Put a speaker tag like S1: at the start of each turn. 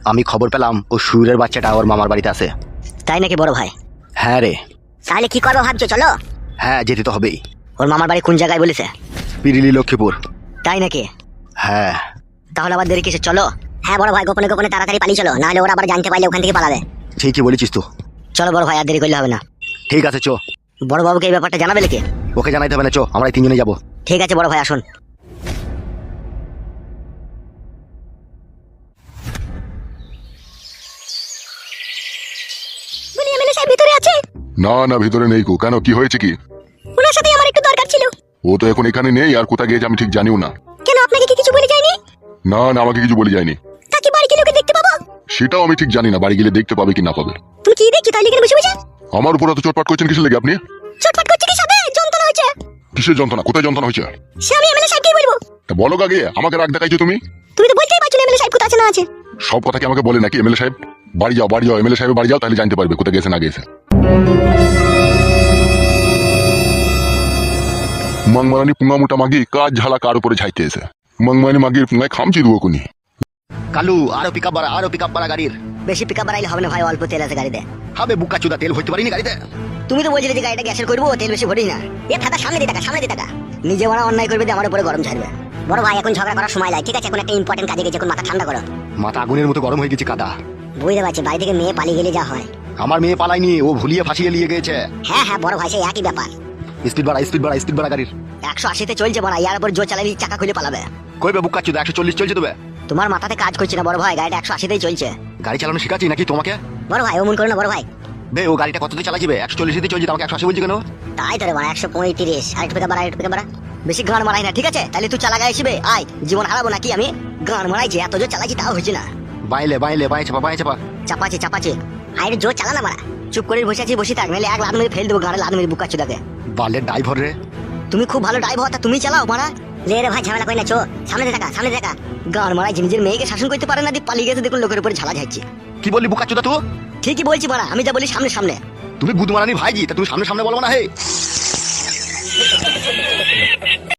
S1: আমি খবর পেলাম ও সুরের বাচ্চাটা ওর মামার বাড়িতে আছে।
S2: তাই নাকি বড় ভাই?
S1: হ্যাঁ রে।
S2: তাহলে কি করবো ভাবছো? চলো।
S1: হ্যাঁ, যেতে তো হবেই।
S2: ওর মামার বাড়ি কোন জায়গায় বলেছে?
S1: পিরিলি লক্ষ্মীপুর।
S2: তাই নাকি?
S1: হ্যাঁ।
S2: তাহলে আবার দেরি কিসে? চলো। হ্যাঁ বড় ভাই, গোপনে গোপনে তাড়াতাড়ি পালিয়ে চলো, নাহলে ওরা আবার জানতে পারলে ওখান থেকে পালাবে।
S1: ঠিকই বলেছিস তো।
S2: চলো বড় ভাই, আর দেরি করলে হবে না।
S1: ঠিক আছে চো।
S2: বড় বাবুকে এই ব্যাপারটা জানাবে নাকি?
S1: ওকে জানাইতে হবে না, চো আমরা এই তিনজনে যাবো।
S2: ঠিক আছে বড় ভাই, আসুন। এমএলএ সাহেব ভিতরে আছে?
S3: না না, ভিতরে নেই কো। কেন, কি হয়েছে কি?
S2: ওনার সাথে আমার একটু দরকার ছিল।
S3: ও তো এখন এখানে নেই, আর কোথায় গিয়েছে আমি ঠিক জানিও না।
S2: কেন, আপনাকে কি কিছু বলে যায়নি?
S3: না না, আমাকে কিছু বলে যায়নি।
S2: তাকে বাড়ি গেলে ওকে দেখতে পাবো?
S3: সেটাও আমি ঠিক জানি না, বাড়ি গেলে দেখতে পাবে কি না পাবে।
S2: তুমি কি দেখছো তাহলে এখানে বসে বসে?
S3: আমার উপর এত চটপাট করছেন কিসের লেগে আপনি?
S2: চটপট করছে কি সাথে? যন্ত্রণা হয়েছে।
S3: কিসের যন্ত্রণা? কোথায় যন্ত্রণা হয়েছে?
S2: সে আমি এমএলএ সাহেবকে বলবো।
S3: তা বলো আগে, আমাকে রাগ দেখাইছো তুমি।
S2: তুমি তো বলতেই পারছো না এমএলএ সাহেব কোথায় আছে না আছে।
S3: সব কথা কি আমাকে বলে নাকি এমএলএ সাহেব? বাড়ি যাও বাড়ি যাও, এমএলএ সাহেব বাড়ি যাও, তাহলে জানতে পারবে কোথায় গেছে না গেছে। মাংমারানি পুঙ্গা মোটা মাগি কাজ ঝালা কার উপরে ঝাইতে এসে মাংমারানি মাগির পুঙ্গায় খামচি দেবো কোনি।
S1: কালু আরো পিকআপ বাড়া গাড়ির।
S2: বেশি পিকআপ বাড়াইলে হবে না ভাই, অল্প তেল আছে গাড়িতে।
S1: হবে বুকা চুদা, তেল ভরতে পারিনি গাড়িতে।
S2: তুমি তো বলছিলে যে গাড়িটা গ্যাসের করবো, তেল বেশি ভরিস না। এ ফাটা সামনে দিয়ে টাকা, সামনে দিয়ে টাকা। নিজে বড় অন্যায় করবে দিয়ে আমার উপরে গরম ছাড়বে। বড় ভাই এখন ঝগড়া করার সময় নাই, ঠিক আছে? এখন একটা ইম্পর্টেন্ট কাজে গেছে, এখন মাথা ঠান্ডা করো।
S1: মাথা আগুনের মতো গরম হয়ে গেছে কাদা।
S2: বুঝতে পারছি, বাড়ি থেকে মেয়ে পালিয়ে গেলে যা হয়।
S1: আমার মেয়ে পালাইনি, ও ভুলিয়ে ফাঁসিয়ে নিয়ে গেছে।
S2: হ্যাঁ হ্যাঁ বড় ভাই, সেই একই ব্যাপার।
S1: স্পিড বাড়া গাড়ির।
S2: 180-তে চলছে বড়, ইয়ার উপর জোর চালালে চাকা খুলে পালাবে।
S1: কইবে বুকা চুদা 140 চলছে তবে।
S2: তোমার মাথাতে কাজ করছে না বড় ভাই, গাড়িটা 180-তেই চলছে।
S1: গাড়ি চালানো শিখাচ্ছি নাকি তোমাকে?
S2: বড় ভাই অমন করো না বড় ভাই।
S1: বে ও গাড়িটা কততে চালাছিবে? 140-তে চলছে, আমাকে 180 বলছি কেন?
S2: তাই তো রে বড়, 135। আরেকটু পিকআপ বাড়া, আরেকটু পিকআপ বাড়া। বেশি গান মারাই না, ঠিক আছে? তাহলে তুই চালা গায়ে আসবে, আয় জীবন হারাবো নাকি আমি? গান মারাইছি, এত জোর চালাইছি তাও হয়েছে না।
S1: বাইলে বাঁয়ে চাপা।
S2: চাপাচ্ছে। আরে জোর চালা না মারা। চুপ করে বসে আছি, বসে থাক, নাহলে এক লাত মেরে ফেল দেবো গাড়ি, লাত মেরে বুকা চুদাকে।
S1: বালের ড্রাইভার রে।
S2: তুমি খুব ভালো ড্রাইভার, তা তুমি চালাও মারা। লে রে ভাই, ঝামেলা কই না, চো সামনে দেখা, সামনে দেখা। গান মারাই নিজের মেয়েকে শাসন করতে পারে না, দিয়ে পালিয়ে গেছে, দেখুন লোকের উপরে ঝালা যাচ্ছে।
S1: কি বললি বুকা চুদা তুই?
S2: ঠিকই বলছি মারা, আমি যা বলি সামনে সামনে।
S1: তুমি বুধ মারানি ভাইজি, তা তুমি সামনে বলবো না হে।